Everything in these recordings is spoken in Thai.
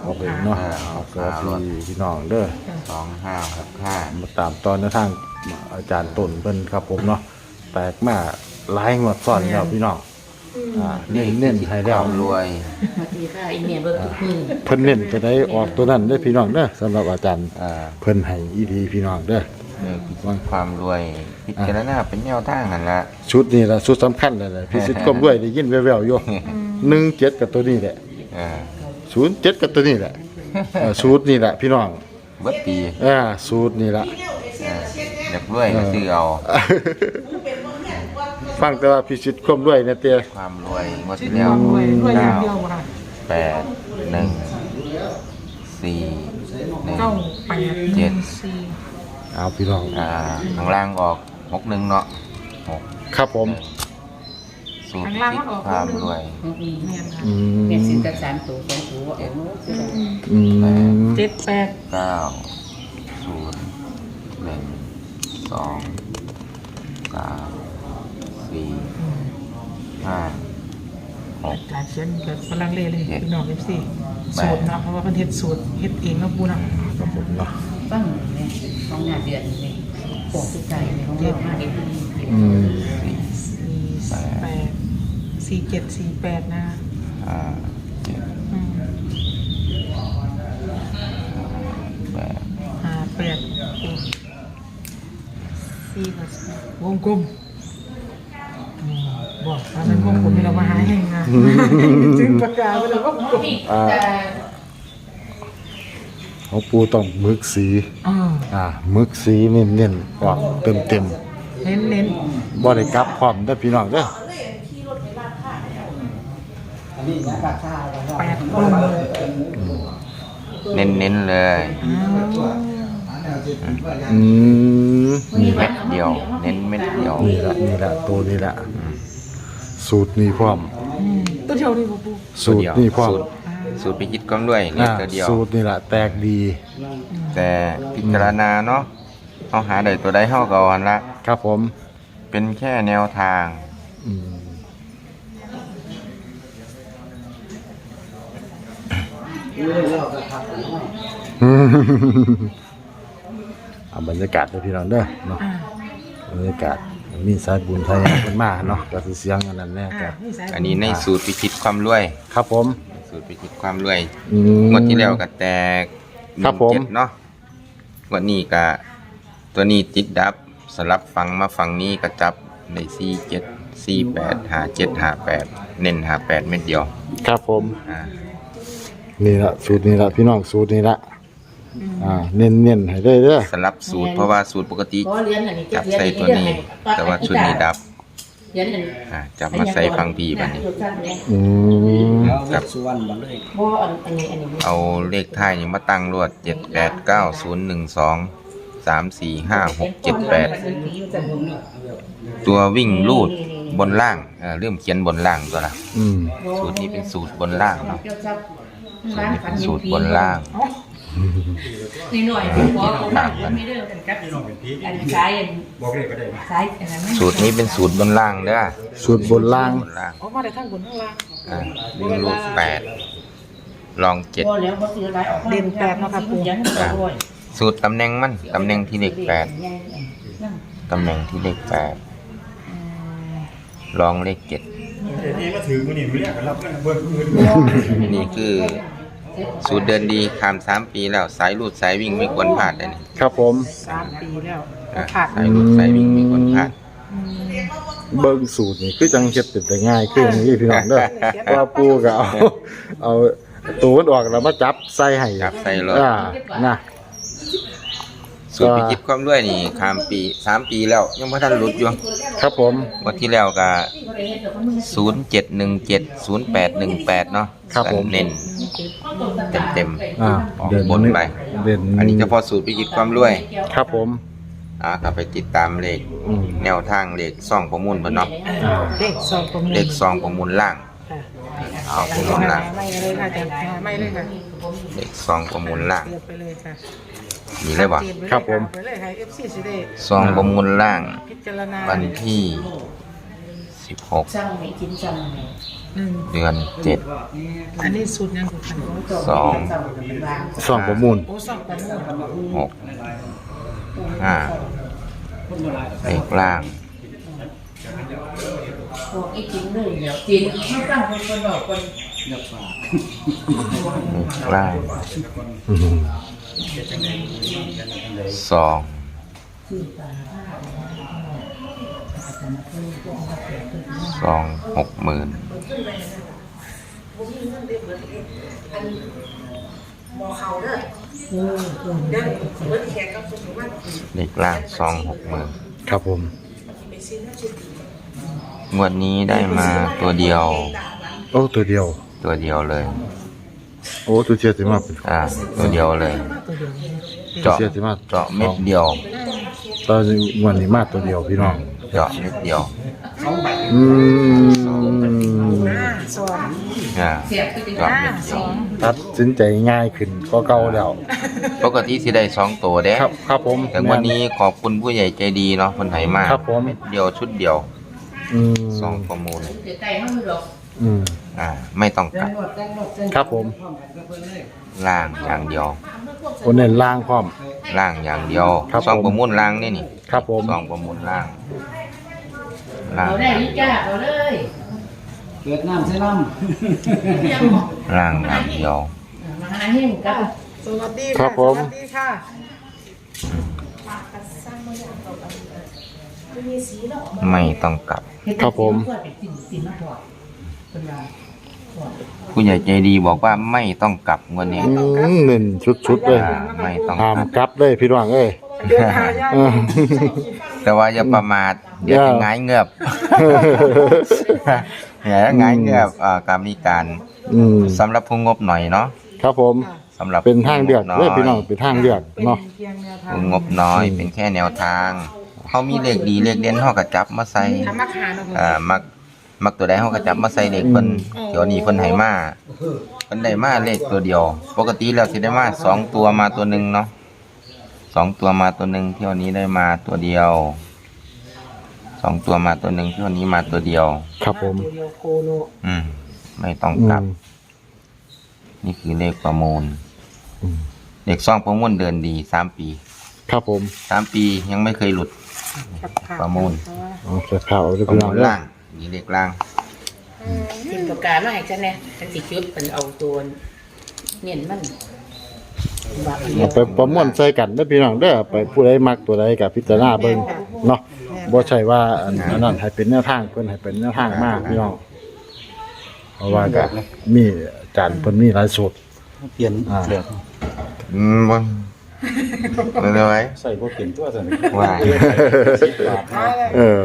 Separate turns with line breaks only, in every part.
ครับผมเนาะสวัสดีพี่น้องเด้อ
2565
มาตามตอนในทางอาจารย์ต้นเพิ่นครับผมเนาะแตกมาหลายงวดซ้อนแล้วพี่น้องเน้นให้แล้ว
ความรวย
สวัสดีค่ะอีเมียเบิร์ทุกมือ
เพิ่นเน้นจะได้ออกตัวนั้นได้อพี่น้องเด้อสำหรับอาจารย์ เพิ่นให้อีดีพี่น้องเด้อ
ความรวยพิจารณาเป็นแนวทางนั่นละ
ชุดนี้ล่ะชุดสำคัญเลยแหละพี่สิทธิ์ก้มด้วยได้ยินแว่วๆอยู่17กับตัวนี้แหละ
อ่า
07กับตัวนี้แหละสูตรนี่แหละพี่น้อง
เบิดปี
สูตรนี่แหละ
อยากรวยก็ซื้อเอา
ฟังแต่ว่าพี่สิทธิ์ก้มด้วยเนี่ยเตี้ย
ความรวยงวดที่แล้ว
รวยอย่างเดียวค่ะ
8 1 4
เก้า
1
แปด
เจ็ด
สี่
เอาพี่น้อง
ข้างล่างออก61เนาะ
ครับผม
สูตรพิษความรวย
เมียนค่ะ
แม่ซื้อกัน3ตัว2ตัวเอาเนาะ
เจ็ดแปด
9 0 1 2 3 4 5
อาจารย์เขียนแบบฝรั่งเลยพี่น้องเอฟซีสูตรเนาะเพราะว่าเพิ่นเฮ็ดสูตรเฮ็ดเองเนาะปูเนาะ
ครับผมเนาะ
ฟังแม่ของหน้าเดือนนี่ของสุดใจของเรามาเด็ก
4748นะ
5 7
อืม
8
58สี่กับวงกลมบอกว่ามันวงกลมนี่เรามาหาแห่งงานจึงประกาศไปแล้วก็วงกลม
ของปูต้องมึกสีมึกสีเน้นๆออกเต็ม
เน้น
ๆบ่ได้กลับพร้อมเด้อพี่น้องเด้อ
8กลม
เน้นๆเลย
อืม
เม็ดเดียว เน้นเม็ดเดียว
นี่ละตัวนี้ละสูตรนี้พร้อม
ตัวเดียวนี่บ่ปู
สูตรนี้พร้อม
สูตรพิจิตก้มด้วยเล็กตัวเดียว
สูตรนี่ละแตกดี
แต่พิจารณาเนาะเขาหาได้ตัวใดเข้าก่อนละ
ครับผม
เป็นแค่แนวทาง
อืมเอาบรรยากาศเลยพี่น้องเด้อเนาะบรรยากาศมีสายบุญไทยเพิ่นมาเนาะก็สิเสียงอันนั้นแน่ก็
อันนี้ในสูตรพิจิตความรวย
ครับผม
สูตรพิจิตความรวย
ม
งวดที่แล้วก็แตก
ครับผม
17เนาะงวดนี้ก็ตัวนี้ติดดับสลับฟังมาฝั่งนี้ก็จับใน47 48 57 58เน้น58เม็ดเดียว
ครับผม
อ่า
นี่ละสูตรนี้ละพี่น้องสูตรนี้ละเน้นๆให้ได้เด้อ
สลับสูตรเพราะว่าสูตรปกติ
ขอเรียนอันนี้
จับใส่ตัวนี้ แต่ว่าชุดนี้ดับ
เรียนอันนี้
จับมาใส่ฟังพีบัดนี้
อืม
ครับ
บ่อันนี้
เอาเลขท้ายนี่มาตั้งรวด7 8 9 0 1 2 3 4 5 6 7 8ตัววิ่งลูดบนล่างเริ่มเขียนบนล่างตัวละ
อืม
สูตรนี้เป็นสูตรบนล่างเนาะสูตรนี้เป็นสูตรบนล่าง
นี่หน่อยบ่ไม่เด้อกันกับอันซ้ายอันบอกเลยก็ได้ซ้ายอันนั้น
สูตรนี้เป็นสูตรบนล่างเด้อ
สูตรบนล่าง
บนล่าง
ออกมาได้ทั้งบนทั้งล่าง
วิ่งลูด8ลอง7
บ่แล้วบ่ซื้อหลายออกเด่น8เนาะครับปู่ยังบ่รวย
สูตรตำแหน่งมันตำแหน่งที่เลข8ตำแหน่งที่เลข8ลองเลข7นี่คือสูตรเดินดีคาม3 ปีแล้วสายรูดสายวิ่งไม่ควรพลาดเลยนี่
ครับผม
3 ปีแล้ว
สายรูดสายวิ่งไม่ควรพลาด
เบิ่งสูตรนี่คือจังเฮ็ดเป็นแต่ง่ายขึ้นนี่พี่น้องเด้อว่าปูก็เอาตัวมันออกแล้วมาจับใส่ให้
จับใส่รถ
นะ
สูตรพิจิตความด้วยนี่คามปี3 ปีแล้วยังไม่ทันหลุดอยู่
ครับผม
วันที่แล้วก็0717 0818เนาะ
ครับผม
เน้นเต็มออกบนไป
เด่น
อันนี้เฉพาะสูตรพิจิตความรวย
ครับผม
ก็ไปติดตามเลข แนวทางเลขซ่องประมูลเพิ่นเนาะ
เลขซองประมูล
เลขซองประมูลล่าง เอาประมูลล่าง
ไม่เลยค่ะอาจารย์ไม่เลยค่ะ
เลขซองประมูลล่าง
เรียบไปเลยค่ะ
มีเลยบ่
ครับผม
ไปเลยค่ะ FC สิได้
ซองประมูลล่าง
พิจารณา
วันที่ 16
สั่งให้กินสั่งให้
เดือน
อันนี้สูตรยังกูขัน
สอง
ซ่องประมูล
โอ้สองประมูล
7 6 5เลขล่าง
บอกไอ้กินเลยเดี๋ยวกินไม่ตั้งคนบอกคน
เลขล่าง
อืม
2 60,000 เลขล่าง260,000
ครับผม
งวดนี้ได้มาตัวเดียว
โอ้ตัวเดียว
เลย
โอ้ตัวเชียร์สิมาเป็น
ตัวเดียวเลย
ตัว
เจาะ
เชียร์สิมา
เจาะเม็ดเดียว
ตอนนี้วันนี้มาตัวเดียวพี่น้อง
เจาะเม็ดเดียว
อืม
สอง
เสียบก็จะ
เจาะเม็ดเดียว
ตัดสินใจง่ายขึ้นก็เก่าแล้ว
ปกติสิได้2ตัวเด้
ครับครับผม
แต่วันนี้ขอบคุณผู้ใหญ่ใจดีเนาะคนไหมา
ครับผม
เม็ดเดียวชุดเดียว
อืม
2ประมูล
เดี๋ยวไก่ห้องมือหรอก
อืม
ไม่ต้องกลับ
ครับผม
ล่างอย่างเดียว
คนเน้นล่างพร้อม
ล่างอย่างเดียว
ครับ
สอง
ผม
ประมูลล่างนี่
ครับผม
สองประมูลล่างล่าง
เอาได้ยิ่จ้าเอาเลย
เกิดน้ำใช่น้
ล่างอย่างเดียว
มาหาเฮงกับ
สวัสดี
ครั
ค่ะ
บผม
สวัสดีค่ะ
ไม่ต้องกลับ
ครับผม
สินมาพอเป็นไร
ผู้ใหญ่ใจดีบอกว่าไม่ต้องกลับงวันนี้
เน้นชุดๆเลย
ไม่ต้อง
ตาม
กลับ
กลับเลยพี่น้องเอ้ย
เดินทางยาก
อืม
แต่ว่าอย่าประมาทเดี๋ยวจะหงายเงือบอย่าหงายเงือบการมีการ
อืม
สำหรับผู้งบหน่อยเนาะ
ครับผม
สำหรับ
เป็นทางเลือก
ผู้
เลย
บ
พี่น้องเป็นทางเลือก
เป็น
เนาะ
เพียงแนวทาง
ผู้งบน้อยเป็นแค่แนวทางเขามีเลขดีเลขเด่นเขาก็จับมาใส่
ทำมาขายเนาะ
มักตัวใดเขาก็จับมาใส่เลขเพิ่นเดี๋ยวนี้เพิ่นให้มาเพิ่นได้มาเลขตัวเดียว ปกติแล้วสิได้มา2ตัวมาตัวหนึงเนาะ2ตัวมาตัวหนึงเที่ยวนี้ได้มาตัวเดียว2ตัวมาตัวหนึงเที่ยวนี้มาตัวเดียว
ครับผม
ตัวเดียวโคโล
ไม่ต้องกลับ นี่คือเลขประมูล
อืม
เลขซ่องประมูลเดินดี3 ปี
ครับผม
3 ปียังไม่เคยหลุด ประมูล
เอาเสื้อขาวเลย
ประ
พี่น้
มู
อง
ล
เด้อ
ล่างนี่เลขล่าง
กินประกาศมาให้ฉันเนี่ยฉันสิจุดเป็นเอาตัวเนียนมันบา
เอาไปประมวลใส่กันเด้อพี่น้องเด้อไปผู้ใดมักตัวใดก็พิจารณาเบิ่งเนาะบ่ใช่ว่าอันนั้นให้เป็นแนวทางเพิ่นให้เป็นแนวทางมากพี่น้องเพราะว่าก็มีอาจารย์เพิ่นมีหลายสูตร
ำเปลี่ยนเลือก
บ่เป็นไร
ใส่พวกเปลี่ยนตัวสั่น
ว่า
เออ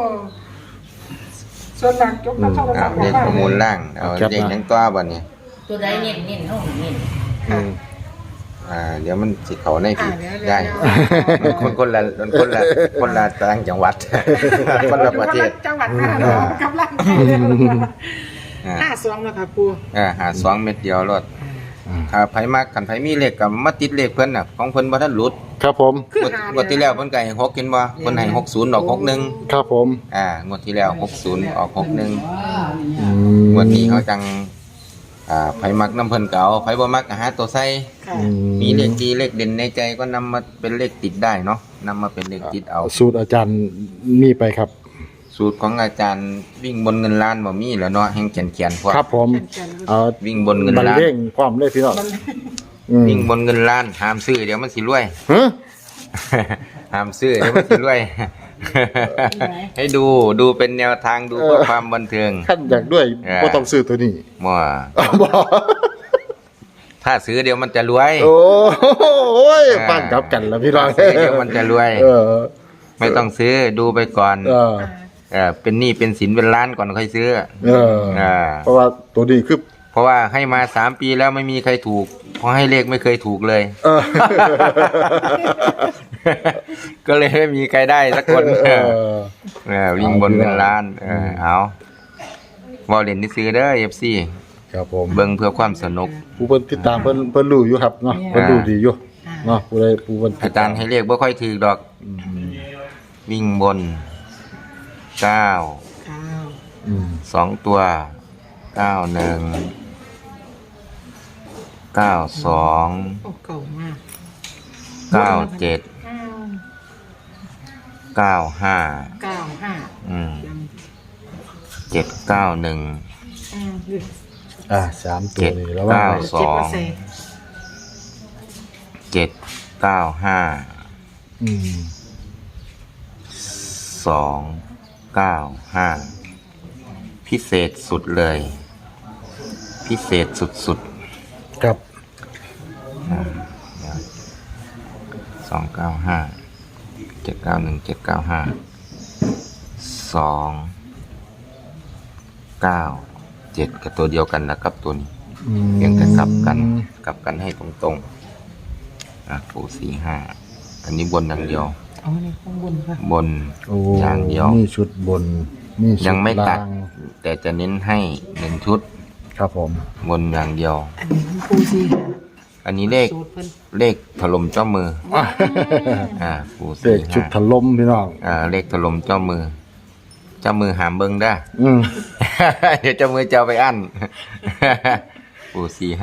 ส่วนหลักยกน้ำเข้า
เลขประมูลล่างเอา
ครับ
เลขยังตัวบ่เนี่ย
ตัวใดเนียนเนียนห้องเนียน
อืม
เดี๋ยวมันสิเข้าในผิดได้มันคนละต่างจังหวัด คนละประเทศ
จังหวัดน่านเนาะกำลังใจเลย52แล้วค่ะปู
หา2เม็ดเดียวรถถ้าไผมักกันไผมีเลขก็มาติดเลขเพิ่นน่ะของเพิ่นบ่ทันหลุด
ครับผม
คือง
วดที่แล้วเพิ่นก็ให้6เห็นบ่เพิ่นให้60ออก61
ครับผม
งวดที่แล้ว60ออก61
อืม
งวดนี้เขาจังไผมักน้ำเพิ่นก็เอาไผบ่มักก็หาตัวใส่
ค่ะ
อื
มีเลขดีเลขเด่นในใจก็นำมาเป็นเลขติดได้เนาะนำมาเป็นเลขติดเอา
สูตรอาจารย์มีไปครับ
สูตรของอาจารย์วิ่งบนเงินล้านบ่มีแล้วเนาะแห่งเขียนพวก
ครับผมเอา
วิ่งบนเงิน
บรร
ล้าน
เลงพร้อมเลยพี่น้องอืม
วิ่งบนเงินล้านห้ามซื้อเดี๋ยวมันสิรวย
ฮะ
ห้ามซื้อเดี๋ยวมันสิรวย ให้ดูเป็นแนวทางดูเพื่อความบันเทิง
ขั้นอยากด้วยบ่ต้องซื้อตัวนี้
มั่ว
บ่
ถ้าซื้อเดี๋ยวมันจะรวย
โอ้ยฟังกลับกันแล้วพี่น้อง
ถ้าซื้อเดี๋ยวมันจะรวย
เออ
ไม่ต้องซื้อดูไปก่อน
เออ
เป็นหนี้เป็นสินเป็นล้านก่อนค่อยซื้อ
เออเพราะว่าตัวนี้คือ
เพราะว่าให้มา3 ปีแล้วไม่มีใครถูกเพราะให้เลขไม่เคยถูกเลย
เออ
ก็เลยไม่มีใครได้สักคน วิ่งบนเงินล้านเอาวอลเลนที่ซื้อเด้อ FC
ครับผม
เบิ่งเพื่อความสนุก
ผู้เพิ่นติดตามเพิ่นรู้อยู่ครับเนาะเพิ่นรู้ดีอยู่เนาะผู้ใดผู้เพิ่น
อาจารย์ให้เลขบ่ค่อยถูกดอก วิ่งบน9 สองตัว91 92
โอ้เก่ามาก
97 95
95
791
3ตัวนี้แล้วว่า
เจ็บมาใส่
795 พิเศษสุดเลย พิเศษสุด
ครับ
295 791 795 297กับตัวเดียวกันนะครับตัวนี้เพียงแต่กลับกันให้ตรงๆปู45อันนี้บนอย่างเดียว
เอาในข้างบนค่ะ
บน
โอ้
อย่างเดียว
นี่ชุดบนนี่ชุด
ยังไม่ตัด
ล่าง
แต่จะเน้นให้1ชุด
ครับผม
บนอย่างเดียว
อันนี้มันปูซีค่ะ
อันนี้เลข
สูตรเพิ่น
เลขถล่มเจ้ามือปู
เด็กชุดถล่มพี่น้อง
เลขถล่มเจ้ามือ เจ้ามือหามเบิ้งได้ เดี๋ยวเจ้ามือจะเอาไปอั้น ปู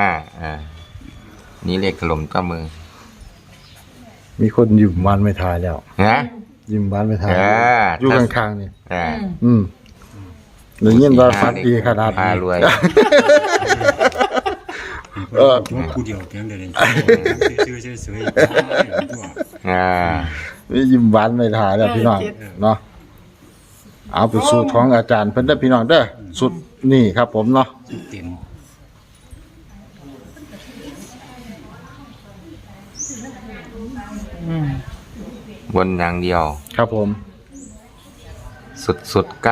45นี่เลขถล่มเจ้ามือ
มีคนยิ้มหวานไม่ทายแล้ว
นะ
ยิ้มหวานไม่ทาย อยู่ข้างๆนี่
อ่า
ได้ยินว่าฝันดีขนาด
พา
นี้
รวย
ผู้เดียวเพียงเดียวชื่อสวยตัว
มียิ้มหวานไม่ทายแล้วพี่น้องเนาะเอาไปสูตรของอาจารย์เพิ่นเด้อพี่น้องเด้อสุดนี่ครับผมเนาะ
เต็ม
บนอย่างเดียว
ครับผม
สุด95 92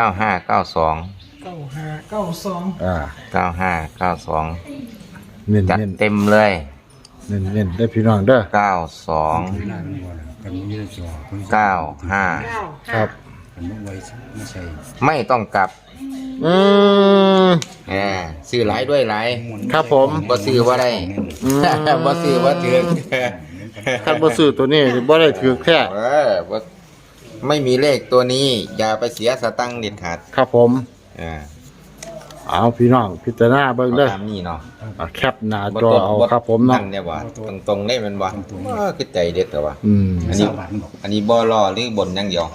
95 92
เน้น
จัด
เน้น
เต็มเลย
เน้นเน้นได้อพี่น้องเด้อ
92
เวลามันบ่ล่ะกันมีจอ
95
ครับ
มันบ่ไว้ไม่ใช่
ไม่ต้องกลับ ซื้อหลายด้วยหลาย
ครับผม
บ่ซื้อว่าได้ บ่ซื้อว่าถือ
คันบ่ซื้อตัวนี้บ่ได้ถือแค่
บ่ไม่มีเลขตัวนี้ อย่าไปเสียสตังค์เด็ดขาด
ครับผมเอาพี่น้องพิจารณาเบิ่งเด้อ
ตามนี้เนาะ
แคปหน้าจอเอาครับผมเนาะ
นั่นเนี่ยว่าตรงๆได้แมันบ่คือใจเด็ดแต่ว่า
อันนี้บาทบอก
อันนี้บ่รอหรือบนอย่างเดียว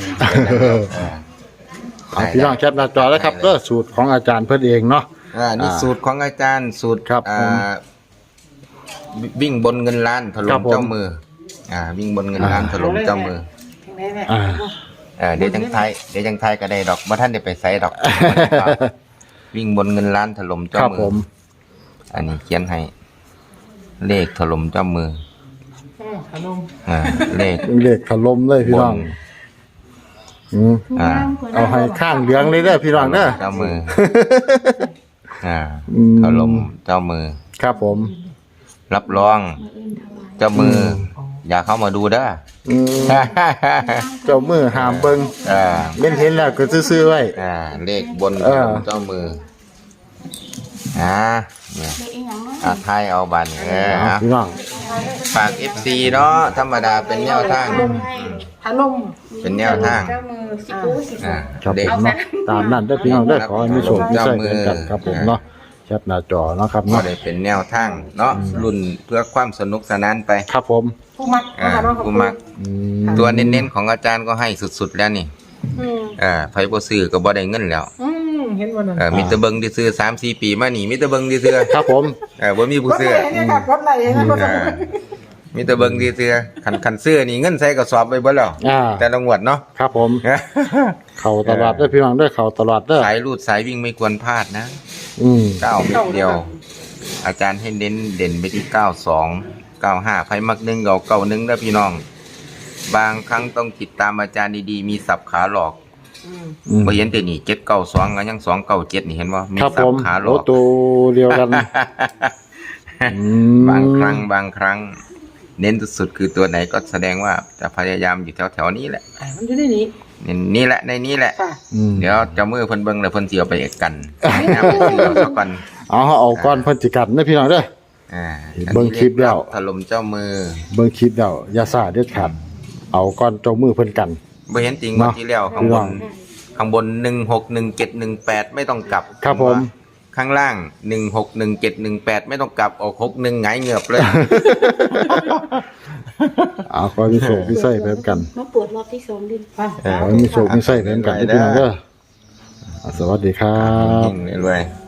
เอาพี่น้องแคปหน้าจอแล้วครับเด้อสูตรของอาจารย์เพิ่นเองเนาะ
นี่สูตรของอาจารย์สูตร
ครับผม
วิ่งบนเงินล้านถ
ค
ล่
รั
ม
บผม
เจ้ามือวิ่งบนเงินล้านถล่มเจ้ามือ
ถึงได้แม่
เดี๋ยวจังไทยก็ได้ดอกบ่ท่านได้ไปไสดอก วิ่งบนเงินล้านถล่ม
ค
เจ้า
รับ
มื
ผม
อันนี้เขียนให้ เลขถล่มเจ้ามือ
ขนม
เลข
เลขถล่มเลยพี่น้องเอาให้ข้างเหลืองเลยเด้อพี่น้องเด้อ
เจ้ามือถล่มเจ้ามือ
ครับผม
รับรอง เจ้ามือ อย่าเข้ามาดูเด้อ
เจ้ามือหามเบิ่งเม่นเห็นแล้วก็ซื่อๆไว้
เลขบนเจ้ามือเนี่ยไทยเอาบัน
พี่น้อง
ฝาก FC เนาะธรรมดาเป็นแนวทาง
ขนม
เป็นแนวทาง
เจ้ามือสิปูสิ
ครับ
เด็
ผ
ก
มเนาะตามนั้นเด้อพี่น้องเด้อขอให้มีโชคมีชัยกันครับผมเนาะแคปหน้าจอเนาะครับ
ก็
เนาะ
ได้เป็นแนวทางเนาะรุ่นเพื่อความสนุกสนานไป
ครับผม
ผู้มัก
กูมักตัวเน้นๆของอาจารย์ก็ให้สุดๆแล้วนี่ไผบ่ซื้อก็บ่ได้เงินแล้ว
เห็นวันนั้น
มีแต่เบิ่งที่ซื้อ 3-4 ปีมานี่มีแต่เบิ่งที่ซื้อ
ครับผม
บ่มีผู้ซื้อ
รถไหลรถไหล
มีแต่เบิ่งที่ซื้อคันซื้อนี่เงินใส่กระสอบไปเบิดแล้วแต่ละงวดเนาะ
ครับผม เข้าตลาดเด้อพี่น้องเด้อเข้าตลาดเด้อ
สายรูดสายวิ่งไม่ควรพลาดนะ 9 เม็ดเดียว อาจารย์ให้เน้นเด่นไปที่ 92 95ไผมัก1เอา91เด้อพี่น้อง บางครั้งต้องติดตามอาจารย์ดีๆมีสับขาหลอกบ่เห็นแต่นี่792ก็ยัง297นี่เห็นบ่มี
ครับ
สั
ผ
บ
ม
ขาหล
โอ้
อก
ตัวเดียวกัน
บางครั้ง เน้นสุดๆคือตัวไหนก็แสดงว่าจะพยายามอยู่แถวๆนี้แหละ
มันอยู่ในนี้
นี่แหละในนี้แหละ เดี๋ยวเจ้ามือเพิ่นเบิ่งแล้วเพิ่นสิเอาไปกันนะเพิ่นสิเอาซะก่อน
เอาก่อนเพิ่นสิกันนะพี่น้องเด้อ เบิ่งคลิปแล้ว
ถล่มเจ้ามือ
เบิ่งคลิปแล้วอย่าซ่าเด็ดขาดเอาก่อนเจ้ามือเพิ่นกัน
บ่เห็นจริงงวดที่แล้วข้างบนข้างบน161718ไม่ต้องกลับ
ครับผม
ข้างล่าง161718ไม่ต้องกลับออก61หงายเหงือบเลย
เอาขอมีโศกมีไส้ไปเหมือนกัน
มาปวดรอบที่สองดิ
ขอมีโศกมีไส้ไปเหมือนกันพี่น้องเด้อสวัสดีครับ
เฮงๆเลย